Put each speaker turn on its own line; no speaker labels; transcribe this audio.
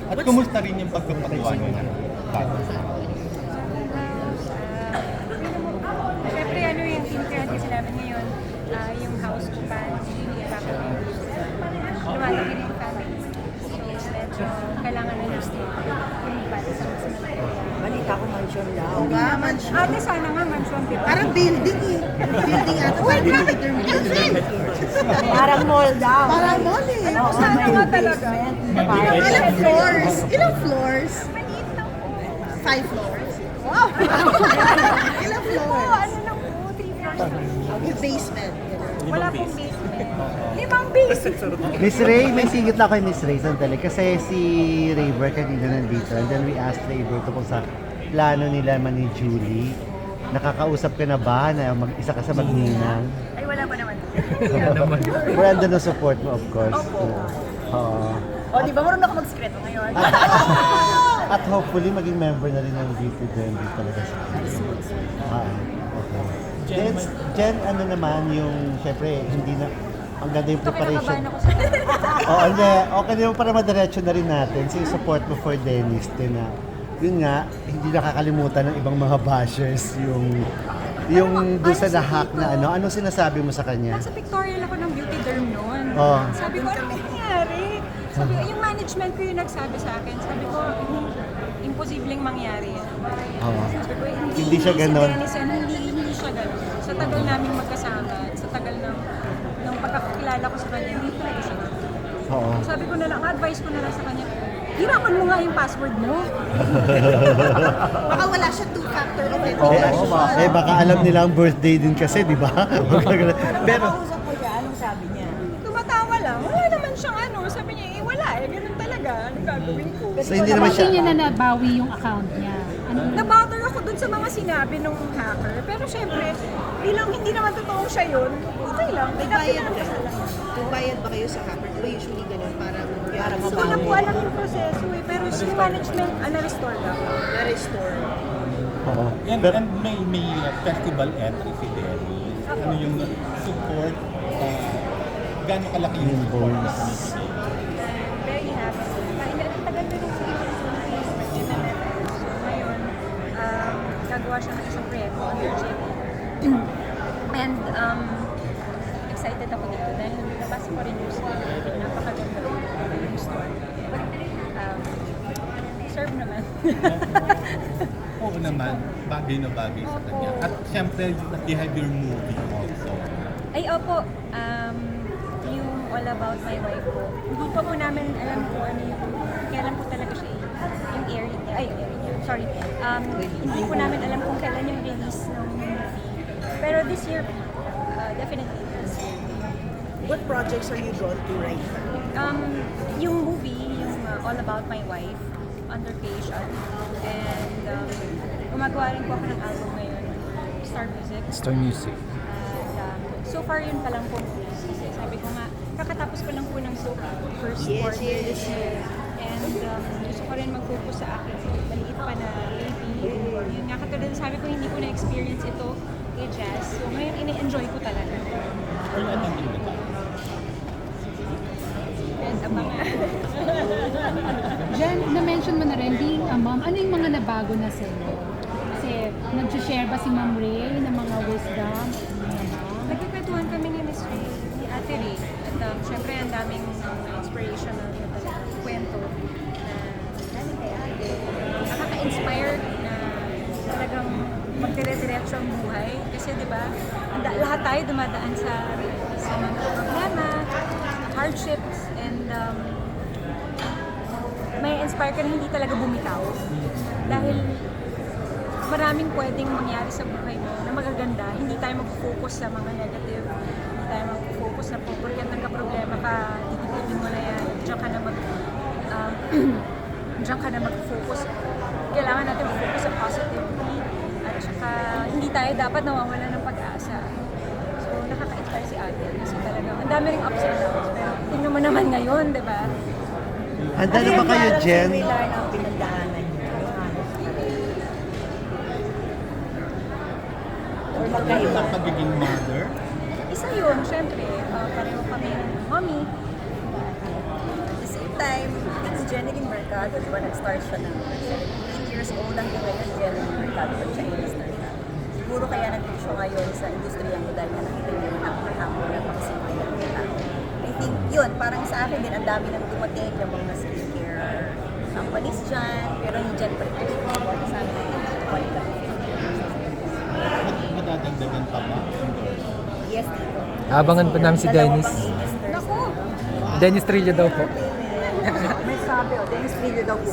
At kumusta rin yung pagpapagawa nyo ng bago?
Siyempre, ano yung team creative namin ngayon, yung house ko pa, hindi nakakapagod. Lumalaki rin yung family. So, medyo kailangan na yung lumipat sa mas malaki.
Balita ko mansion daw.
Oo nga, mansion.
Ate, sana nga mansion, di ba?
Parang building eh. Building ata. Parang building.
Parang mall daw.
Parang mall eh.
Alam ko, sana nga talaga.
Ilang floors? Ilang floors?
Maliit lang po.
5 floors. Wow! Ilang
Oo,
floors?
ano lang po, 3 floors.
Yung basement.
Wala pong basement. 5 basement.
Miss Ray, may singit lang kay Miss Ray sandali. Kasi si Raver kanina nandito. And then we asked Raver tungkol sa plano nila man ni Julie. Nakakausap ka na ba na mag-isa ka sa magninang?
Ay, wala pa naman.
We're under the support mo, of course.
Opo.
Oo.
O, di ba marunong ako mag-secreto ngayon?
At hopefully, maging member na rin ng DP20 talaga siya. Okay. Jen, ano naman yung, syempre, hindi na, ang ganda yung preparation.
Kinakabahan ako sa
Oo, hindi. Okay naman para madiretso na rin natin. So, yung support mo for Dennis din na, yun nga, hindi nakakalimutan ng ibang mga bashers yung doon sa nahak na ano. Anong sinasabi mo sa kanya?
Nasa pictorial ako ng beauty derm noon.
Oh.
Sabi ko, ano nangyari? Sabi ko, yung management ko yung nagsabi sa akin. Sabi ko, imposibleng mangyari yan.
Oo.
Sabi ko,
Hindi siya ganon.
Si Dennis yan, hindi siya ganon. Sa tagal namin magkasama, at sa tagal ng pagkakilala ko sa kanya, hindi talaga siya ganon.
Oo.
Sabi ko na lang, advice ko na lang sa kanya, hirapan mo nga yung password mo.
Baka wala siya 2-factor
Eh,
authentication.
baka alam nila ang birthday din kasi, di ba? Pero,
Nakausap ko siya, anong sabi niya?
Tumatawa lang, wala naman siyang ano. Sabi niya, wala ganun talaga. Anong gagawin ko?
so hindi naman
Hindi niya
siya,
na nabawi yung account niya. Ano?
Nabother ako dun sa mga sinabi ng hacker. Pero syempre, bilang hindi naman totoong siya yun, okay lang.
May
Dapat
bayad
na
ka.
lang.
Kung bayad ba kayo sa hacker? Di ba usually ganun? Parang
Hindi ko na po alam yung proseso eh. Pero yung management, na-restore lang.
na-restore.
oo.
And,
Pero,
and may festival entry si Dennis. Ano yung support? Gano'ng kalaki yung support ni
Invoice.
Miss Ray?
Very happy. Ang tagal na rin sa So ngayon, gagawa siya ng isang proyekto under JP. And excited ako dito dahil nabasa ko rin yung story. Napakaganda yung story. Serve naman.
Oo naman, bagay na bagay sa kanya. At syempre, they have your movie also.
Ay, opo. Yung All About My Wife ko. Hindi pa po namin alam kung ano yung, kailan po talaga siya yung airing niya. Ay, airing niya. Sorry. Hindi po namin alam kung kailan yung release ng movie. Pero this year, definitely this year.
What projects are you drawn to right now?
Yung movie, yung All About My Wife, under creation. And gumagawa rin po ako ng album ngayon, Star Music.
Star Music.
And so far yun pa lang po. Kasi sabi ko nga, kakatapos ko lang po ng soap first quarter this year. And gusto ko rin mag-focus sa akin. Maliit pa na baby. Yun nga, katulad sabi ko, hindi ko na-experience ito kay Jazz. So ngayon, ini-enjoy ko talaga.
Or ano yung iba?
And abangan.
Jen, na-mention mo na rin, being a mom, ano yung mga nabago na sa'yo? Kasi nag-share ba si Ma'am Ray ng mga wisdom?
Nagkikwentuhan kami ni Miss Ray, ni Ate Ray. At syempre, ang daming inspirational na talagang kwento na galing kay Ate. Nakaka-inspire na talagang magdire-diretso ang buhay. Kasi di ba, lahat tayo dumadaan sa mga problema, hardships, and may inspire ka na hindi talaga bumitaw. Dahil maraming pwedeng mangyari sa buhay mo na magaganda. Hindi tayo mag-focus sa mga negative. Hindi tayo mag-focus na porket nagka-problema ka, titipidin mo na yan. Diyan ka na diyan ka na mag-focus. Kailangan natin mag-focus sa positivity. At saka, hindi tayo dapat nawawala ng pag-asa. So, nakaka-inspire si Ate. Kasi talagang, ang dami ring ups and downs. Pero tingnan mo naman ngayon, di ba?
handa na ba kayo, Jen?
Similar na ang pinagdaanan niya. Or magkaiba.
Ang pagiging mother?
Isa yun, syempre. Pareho kami ng mommy. At the same time, it's
Jeneline Mercado, di ba, nag-start siya ng 17 years old hanggang ngayon, Jeneline Mercado, pag siya i-start na. Siguro kaya nandito siya ngayon sa industriya mo dahil na nakita niyo yung hamon at makasama ng mga tao. I think yun, parang sa akin din, ang dami nang dumating yung mga skincare companies dyan, pero hindi dyan pa rin sa amin.
Madadagdagan pa ba?
Yes, dito.
Abangan pa namin si Dennis.
Naku!
Dennis Trillo daw po.
May sabi, Dennis Trillo daw po.